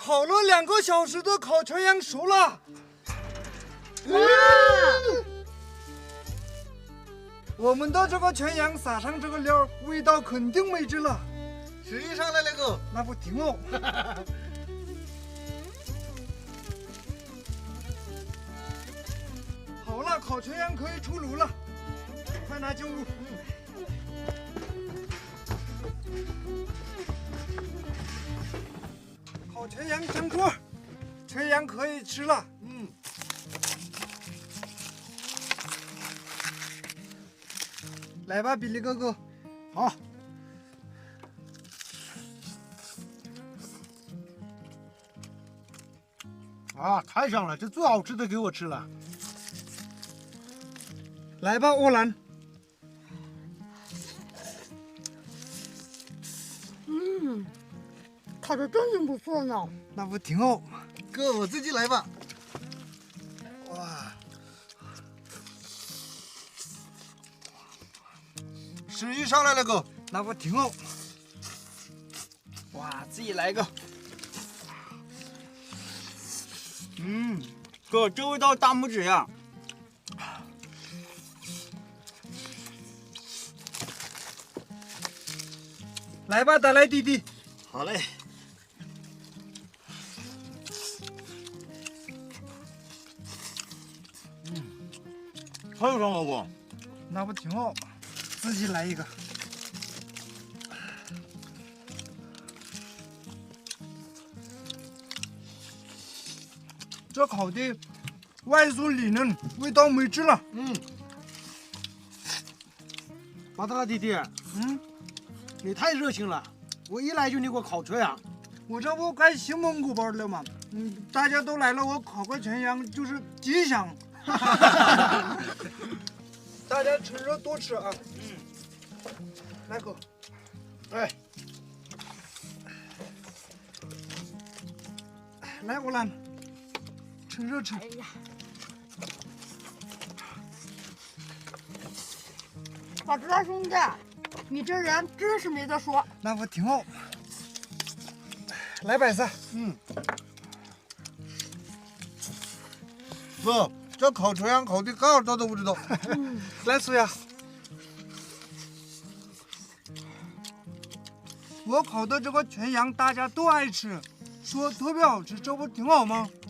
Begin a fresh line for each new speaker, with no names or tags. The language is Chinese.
烤了2个小时的烤全羊熟了。
哇！
我们的这个全羊撒上这个料，味道肯定美极了。
吃一上来那个，
那不挺好？好了，烤全羊可以出炉了，快拿进屋。烤全羊上桌，全羊可以吃了。来吧，比利哥哥。
好。啊，太香了！这最好吃的给我吃了。
来吧，欧兰。
烤的真挺不错呢。
那不挺好？
哥，我自己来吧。哇，食欲上来了，哥。
那不挺好？
哇，自己来一个。哥，这味道大拇指呀！
来吧，达赖弟弟。
好嘞。太香了，哥。
那不挺好？自己来一个。这烤的外酥里嫩，味道美极了。
巴达拉弟弟，你太热情了，我一来就你给我烤全羊。
我这不该新蒙古包了吗？大家都来了，我烤个全羊就是吉祥。大家趁热多吃啊！来哥，
哎，
来我来，趁热吃。
哎呀，巴兹拉兄弟，你这人真是没得说。
那不挺好？来白菜。
哥，这烤全羊烤的刚好到的不知道。
来苏呀，我烤的这个全羊大家都爱吃，说特别好吃，这不挺好吗？